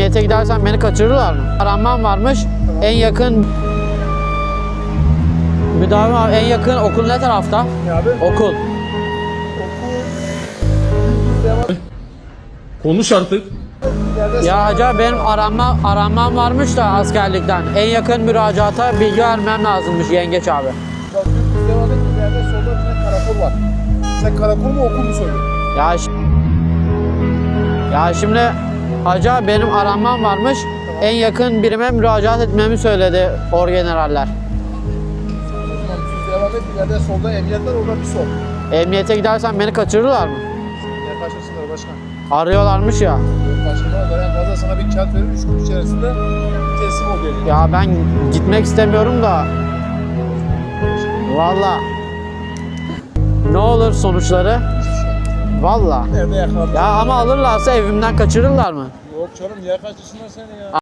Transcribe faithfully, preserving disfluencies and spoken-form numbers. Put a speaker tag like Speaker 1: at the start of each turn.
Speaker 1: Emniyete gidersen beni kaçırırlar mı? Aranmam varmış. Tamam. En yakın müdavim abi, en yakın okul ne tarafta?
Speaker 2: Ne abi?
Speaker 1: Okul.
Speaker 2: Okul.
Speaker 3: Konuş artık.
Speaker 1: Ya acaba benim aranma, aranmam varmış da askerlikten. En yakın müracaata bilgi vermem lazımmış yengeç abi.
Speaker 2: Bak biz devam et, ileride solda bir tane karakol var. Sen karakol mu okul mu soruyorsun?
Speaker 1: Ya, ya şimdi acaba benim aranmam varmış.
Speaker 2: Tamam.
Speaker 1: En yakın birime müracaat etmemi söyledi orgeneraller.
Speaker 2: Tamam biz devam et, ileride solda emniyet var, orada bir sol.
Speaker 1: Emniyete gidersen beni kaçırırlar mı?
Speaker 2: Niye kaçırsınlar başkan?
Speaker 1: Arıyorlarmış ya.
Speaker 2: Kaçırmazlar, en fazla sana bir kağıt verir, üç gün içerisinde teslim ol diyecek.
Speaker 1: Ya ben gitmek istemiyorum da. Valla. Ne olur sonuçları? Valla.
Speaker 2: Nerede yakaladın?
Speaker 1: Ya ama alırlarsa evimden kaçırırlar mı?
Speaker 2: Yok canım, niye kaçırsınlar seni ya?